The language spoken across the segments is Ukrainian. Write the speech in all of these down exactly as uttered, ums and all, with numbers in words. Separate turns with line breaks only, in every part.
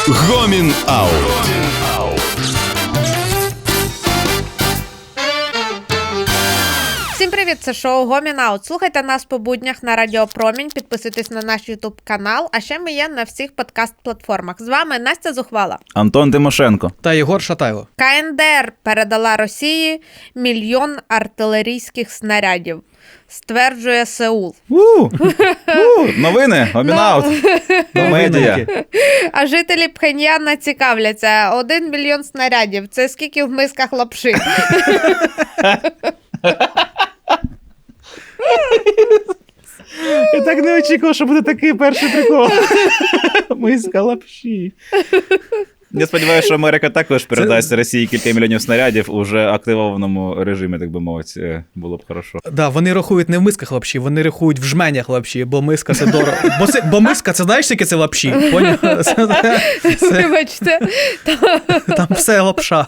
Гомін Аут.
Всім привіт, це шоу Гомін Аут. Слухайте нас по буднях на Радіо Промінь, підписуйтесь на наш ютуб-канал, а ще ми є на всіх подкаст-платформах. З вами Настя Зухвала.
Антон Тимошенко.
Та Єгор Шатайло.
КНДР передала Росії мільйон артилерійських снарядів, стверджує Сеул.
У, новини, Гомін Аут. Медіа.
А жителі Пхеньяна цікавляться, один мільйон снарядів, це скільки в мисках лапши?
Я так не очікував, що буде такий перший прикол. Миска лапші. Я сподіваюся, що Америка також передасть Росії кілька мільйонів снарядів у вже активованому режимі, так би мовити. Було б хорошо.
Да, вони рахують не в мисках лапші, вони рахують в жменях лапші, бо миска це дорого. Бо, це, бо миска, це знаєш, скільки це лапші? Поняв?
Вибачте.
Там все лапша.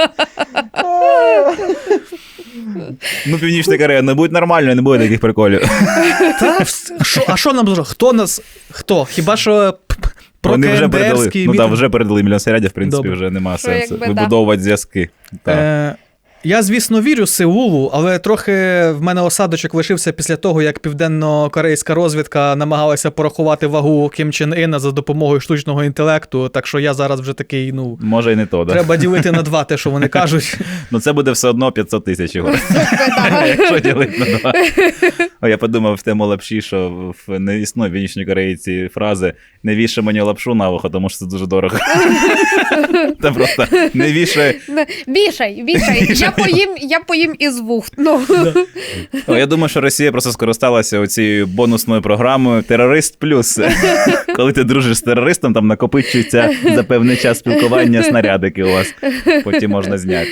Ну, Північна Корея, не будь нормально, не буде таких приколів.
Та, шо, а що нам дуже? Хто нас? Хто? Хіба що про
Вони вже передали, ну так,
міт...
вже передали мільйон снарядів, в принципі,
Добре.
вже нема
Що,
сенсу
якби,
вибудовувати да. зв'язки.
Е, я, звісно, вірю Сеулу, але трохи в мене осадочок лишився після того, як південно-корейська розвідка намагалася порахувати вагу Кім Чен Іна за допомогою штучного інтелекту, так що я зараз вже такий, ну...
Може і не то, да?
Треба ділити на два те, що вони кажуть.
Ну це буде все одно п'ятсот тисяч, Ігор. Якщо ділити на два. О, я подумав в тему лапші, що не існує в Північній Кореї ці фрази «не вішай мені лапшу на вухо, тому що це дуже дорого». Це просто «не вішай».
Вішай, вішай. Я поїм, я поїм із вух. Ну.
О, я думаю, що Росія просто скористалася оцією бонусною програмою «Терорист плюс». Коли ти дружиш з терористом, там накопичується за певний час спілкування снарядики у вас. Потім можна зняти.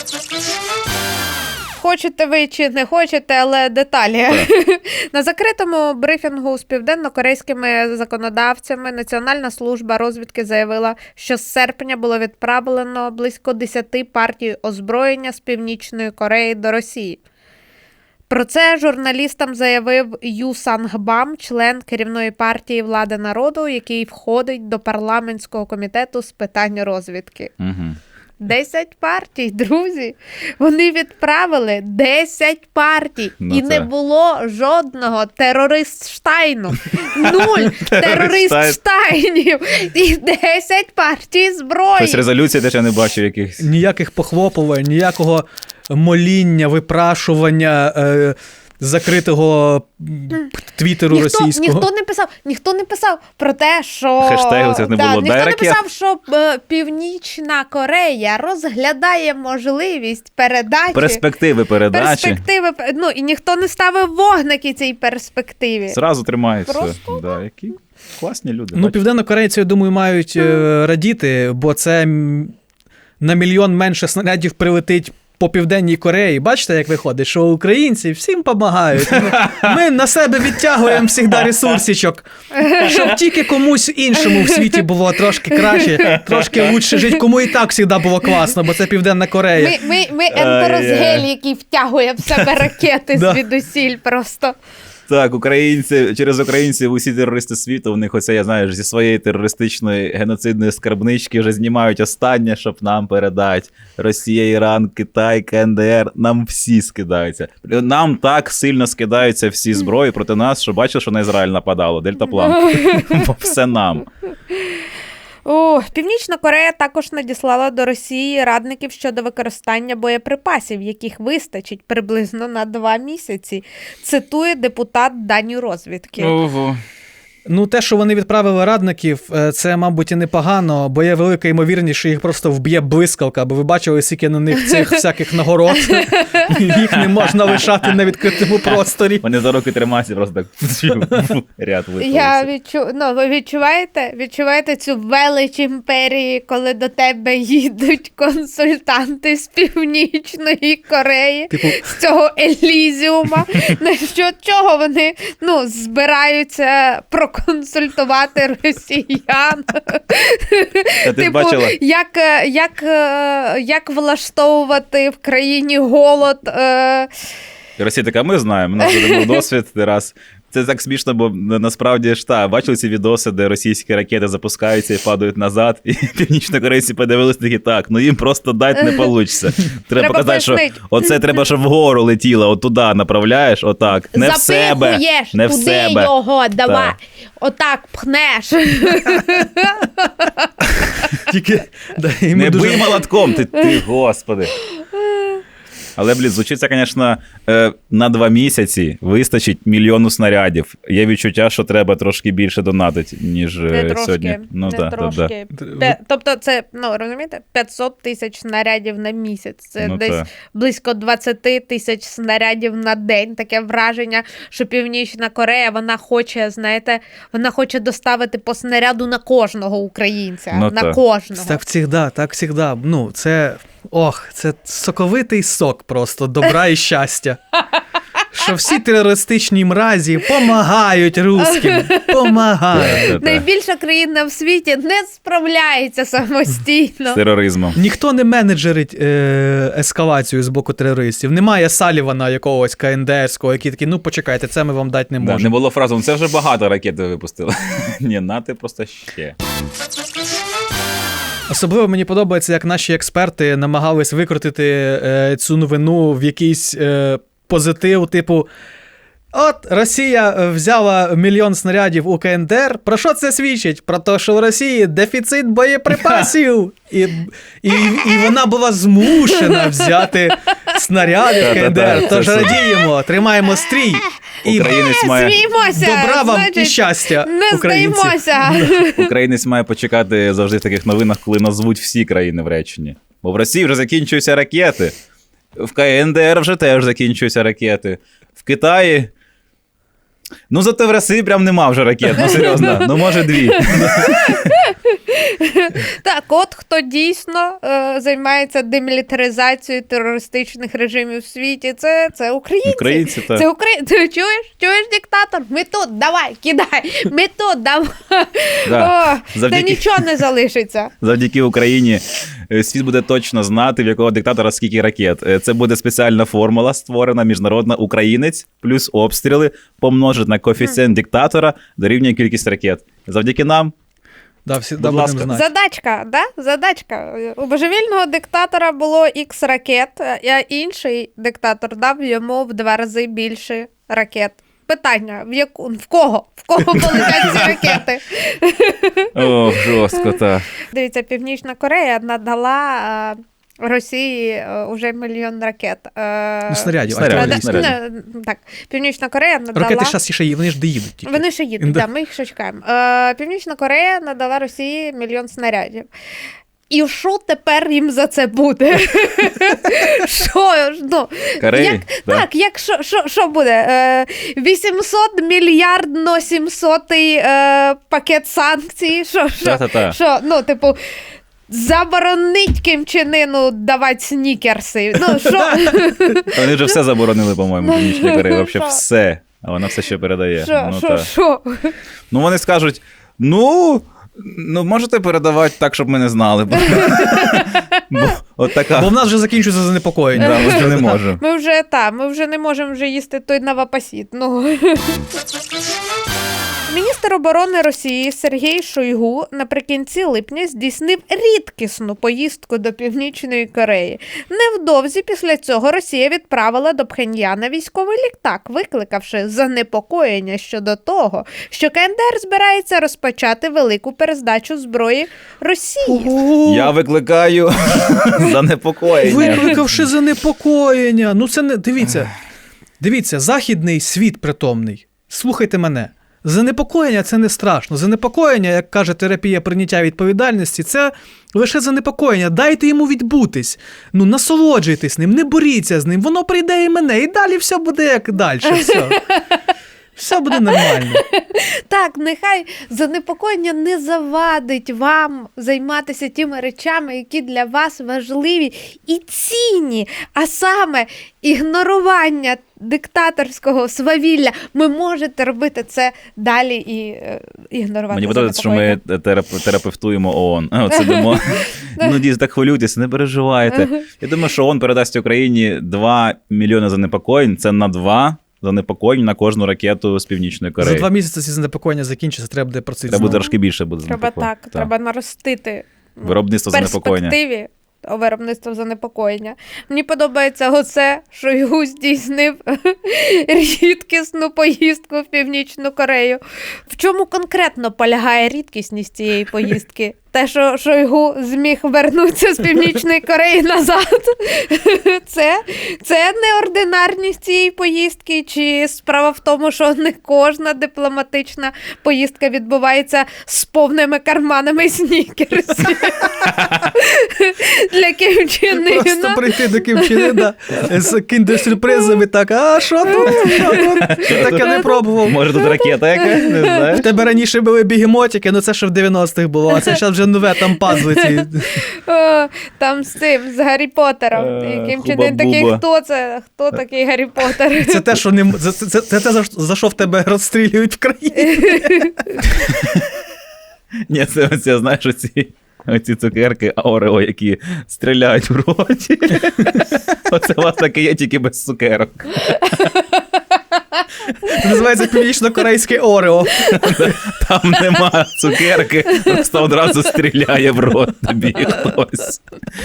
Хочете ви чи не хочете, але деталі. На закритому брифінгу з південно-корейськими законодавцями Національна служба розвідки заявила, що з серпня було відправлено близько десяти партій озброєння з Північної Кореї до Росії. Про це журналістам заявив Ю Санг-бам, член керівної партії «Влада народу», який входить до парламентського комітету з питань розвідки.
Угу.
Десять партій, друзі. Вони відправили десять партій.
Ну,
і
це...
не було жодного терорист-штайну. Нуль терорист-штайнів. І десять партій зброї.
Щось резолюції теж я не бачив якихось.
Ніяких похлопувань, ніякого моління, випрашування е, закритого твіттеру
ніхто,
російського.
Ніхто не писав, ніхто не писав про те, що...
Хештегів цих не
да,
було.
ніхто
Дай
не
ракет.
писав, що е, Північна Корея розглядає можливість передачі...
Перспективи передачі.
Перспективи, ну, і ніхто не ставив вогники цій перспективі.
Зразу тримаються.
Просто,
да, які класні люди.
Ну, південно-корейці, я думаю, мають е, радіти, бо це м, на мільйон менше снарядів прилетить по Південній Кореї. Бачите, як виходить, що українці всім допомагають. Ми, ми на себе відтягуємо завжди ресурсичок, щоб тільки комусь іншому в світі було трошки краще, трошки лучше жити, кому і так завжди було класно, бо це Південна Корея.
Ми, ми, ми ентерозгель, який втягує в себе ракети звідусіль просто.
Так, українці, через українців усі терористи світу, у них оце, я знаю, зі своєї терористичної геноцидної скарбнички вже знімають останнє, щоб нам передати. Росія, Іран, Китай, КНДР, нам всі скидаються. Нам так сильно скидаються всі зброї проти нас, що бачили, що на Ізраїль нападало, дельтаплан. Бо все нам.
О, Північна Корея також надіслала до Росії радників щодо використання боєприпасів, яких вистачить приблизно на два місяці, цитує депутат дані розвідки.
Ого.
Ну, те, що вони відправили радників, це, мабуть, і непогано, бо є велика ймовірність, що їх просто вб'є блискавка, бо ви бачили, скільки на них цих всяких нагород, їх не можна лишати на відкритому просторі.
Вони за руки тримаються, просто так ряд випалися.
Я відчу... ну, ви відчуваєте? Відчуваєте цю велич імперії, коли до тебе їдуть консультанти з Північної Кореї, типу... з цього Елізіума, на що чого вони, ну, збираються про консультувати росіян. Типу, як, як, як влаштовувати в країні голод.
Росія така, ми знаємо, у нас вже був досвід, раз Це так смішно, бо насправді ж та, бачили ці відоси, де російські ракети запускаються і падають назад, і північнокорейці подивилися такі, так, ну їм просто дати не вийде. Треба,
Треба
показати, що
пояснити.
оце треба, щоб вгору летіло, от туди направляєш, отак, не в себе,
Запихуєш
не в
туди
себе.
його, давай.
Так.
Отак пхнеш.
Тільки да, йому
Не
дуже...
бий молотком, ти, ти, господи. Але, блін, звучить це, звісно, на два місяці вистачить мільйону снарядів. Є відчуття, що треба трошки більше донатити, ніж
Не
е,
трошки,
сьогодні. Ну,
не
да, да, да.
трошки. Пе- Тобто це, ну, розумієте, п'ятсот тисяч снарядів на місяць. Це
Ну,
десь
та.
близько двадцять тисяч снарядів на день. Таке враження, що Північна Корея, вона хоче, знаєте, вона хоче доставити по снаряду на кожного українця.
Ну,
на
та.
кожного.
Так завжди, так завжди. Ну, це, ох, це соковитий сок просто добра і щастя. Що всі терористичні мразі помагають русським, помагають.
Та-та.
Найбільша країна в світі не справляється самостійно.
З тероризмом.
Ніхто не менеджерить е, ескалацію з боку терористів. Немає Салівана якогось КНДРського, який такий, ну почекайте, це ми вам дати не
Да, не
можемо.
було фрази, ну це вже багато ракет ви випустили. Ні, нати просто ще.
Особливо мені подобається, як наші експерти намагались викрутити е, цю новину в якийсь е, позитив, типу. От Росія е, взяла мільйон снарядів у КНДР. Про що це свідчить? Про те, що в Росії дефіцит боєприпасів. І, і, і вона була змушена взяти снаряди в
Та-та-та,
КНДР.
це
Тож
все.
радіємо, тримаємо стрій. І
Українець має,
Сміємося!
добра вам і
значить,
щастя,
не
українці.
здаємося!
українець має почекати завжди в таких новинах, коли назвуть всі країни в реченні. Бо в Росії вже закінчуються ракети. В КНДР вже теж закінчуються ракети. В Китаї. Ну, зато в Росії прям нема вже ракет. Ну, серйозно. Ну, може, дві.
Так, от хто дійсно е, займається демілітаризацією терористичних режимів в світі, це, це українці.
Українці, так.
Це Українці. Ти чуєш? Чуєш, диктатор? Ми тут, давай, кидай. Ми тут, давай.
Да.
О, та
Завдяки-
нічого не залишиться.
Завдяки Україні е, світ буде точно знати, в якого диктатора скільки ракет. Е, Це буде спеціальна формула створена, міжнародна. Українець плюс обстріли помножить на коефіцієнт диктатора дорівнює кількість ракет. Завдяки нам.
Да, всі
Будь
да, будемо
ласка.
знати.
Задачка, да? Задачка. У божевільного диктатора було ікс ракет, а інший диктатор дав йому в два рази більше ракет. Питання, в яку в кого? В кого полетять ці ракети?
Ох, жорстко, так.
Дивіться, Північна Корея надала е, Росії е, уже мільйон ракет. Е,
Ну, снарядів,
Снарядів,
Нада-
артилерійських.
снарядів.
не, Так, Північна Корея надала...
Ракети зараз ще є, вони ж доїдуть тільки.
Вони ще їдуть,
Да.
да, ми їх ще чекаємо. Е, Північна Корея надала Росії мільйон снарядів. І що тепер їм за це буде? Що? Ну,
Кореї?
як,
Да.
Так, як що, що, що буде? Е, вісімсот мільярдно сімсотий е, пакет санкцій? Що, що,
Та-та-та.
що? Ну, типу, заборонить Ким Чен Ыну давати снікерси. Ну, що?
Вони вже все заборонили, по-моєму, Північній Кореї. Взагалі
Що?
все. А вона все ще передає.
Що,
Ну,
що,
та.
що?
Ну, вони скажуть, ну, ну, можете передавати так, щоб ми не знали. Бо, бо от така.
Бо в нас вже закінчується занепокоєння.
Да, ми вже не можемо.
Ми вже, та, ми вже не можемо вже їсти той навапасіт. Ну. Міністр оборони Росії Сергій Шойгу наприкінці липня здійснив рідкісну поїздку до Північної Кореї. Невдовзі після цього Росія відправила до Пхеньяна військовий літак, викликавши занепокоєння щодо того, що КНДР збирається розпочати велику перездачу зброї Росії.
Я викликаю занепокоєння.
Викликавши занепокоєння. Ну це не. Дивіться. Дивіться, західний світ притомний. Слухайте мене. Занепокоєння – це не страшно. Занепокоєння, як каже терапія прийняття відповідальності, це лише занепокоєння. Дайте йому відбутись. Ну, насолоджуйтесь ним, не боріться з ним. Воно прийде і мене, і далі все буде як далі. Все. Все буде нормально.
Так, нехай занепокоєння не завадить вам займатися тими речами, які для вас важливі і цінні, а саме ігнорування диктаторського свавілля. Ви можете робити це далі і е, ігнорувати.
Мені подобається, що ми
занепокоєння.
терап- терапевтуємо ООН. О, це думаю, ну дійсно, так хвилюйтесь, не переживайте. Я думаю, що ООН передасть Україні два мільйони занепокоєнь, це на два занепокоєнь на кожну ракету з Північної Кореї.
За два місяці ці занепокоєння закінчаться, треба буде про це
Треба
знову.
трошки більше буде
Треба
занепокоєнь.
так, треба наростити ну,
Виробництво
в
занепокоєння.
перспективі виробництво занепокоєння. Мені подобається оце, що Шойгу здійснив рідкісну поїздку в Північну Корею. В чому конкретно полягає рідкісність цієї поїздки? Те, що Шойгу зміг вернутися з Північної Кореї назад. Це, це неординарність цієї поїздки? Чи справа в тому, що не кожна дипломатична поїздка відбувається з повними карманами снікерсів? Для Кім Чен Іна.
Просто прийти до Кім Чен Іна з кіндер-сюрпризами, так, а що тут? Що тут? Таке не пробував.
Може тут ракета яка? Не
В
знаю.
тебе раніше були бігемотики, ну це ще в дев'яностих було, а це зараз вже нове, там пазли ці.
О, там з цим, з Гаррі Поттером.
Е,
І Кім Чен Ін такий,
Хуба-буба.
хто це? Хто такий Гаррі Поттер?
Це те, що не це, це, це, це за, за що в тебе розстрілюють в країні.
Ні, це оці, знаєш, оці, оці цукерки Орео, які стріляють в роті. Оце у вас таке є, тільки без цукерок.
Це називається північно-корейське Орео.
Там нема цукерки, просто одразу стріляє в рот тобі хтось.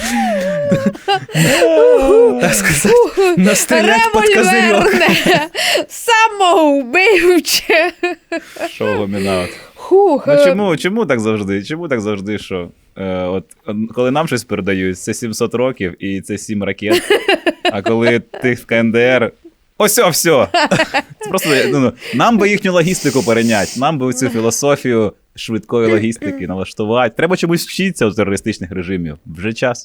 Так сказати, настрілять під козирьок.
Револьверне, самоубивче.
Що гомінаут?
Хух.
Ну чому, чому так завжди? Чому так завжди, що е, от, коли нам щось передають, це сімсот років і це сім ракет, а коли ти в КНДР, ось о, все. Це просто, ну, ну, нам би їхню логістику перейняти, нам би цю філософію швидкої логістики налаштувати. Треба чомусь вчитися у терористичних режимів. Вже час.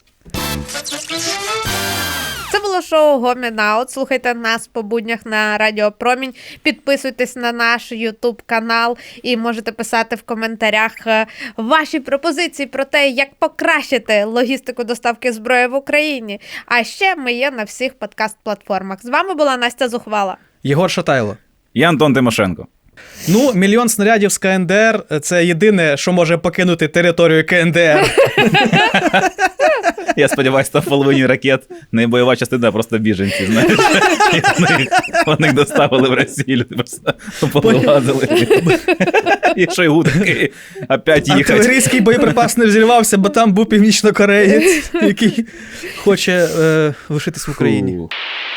Це було шоу Гомін Аут. Слухайте нас по буднях на Радіо Промінь. Підписуйтесь на наш Ютуб канал і можете писати в коментарях е, ваші пропозиції про те, як покращити логістику доставки зброї в Україні. А ще ми є на всіх подкаст-платформах. З вами була Настя Зухвала.
Єгор Шатайло.
Я Антон Тимошенко.
Ну, мільйон снарядів з КНДР – це єдине, що може покинути територію КНДР.
Я сподіваюся, там в половині ракет не бойова частина, а просто біженці, знаєш. І Вони, вони доставили в Росію, просто повилазили. І Шойгу такий, опять їхати.
Артилерійський боєприпас не взірвався, бо там був північно-кореєць, який хоче е, лишитись в Україні.
Фу.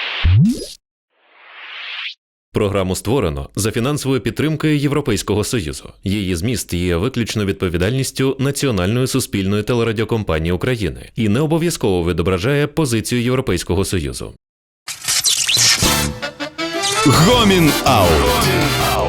Програму створено за фінансовою підтримкою Європейського Союзу. Її зміст є виключно відповідальністю Національної суспільної телерадіокомпанії України і не обов'язково відображає позицію Європейського Союзу.
Гомін Аут.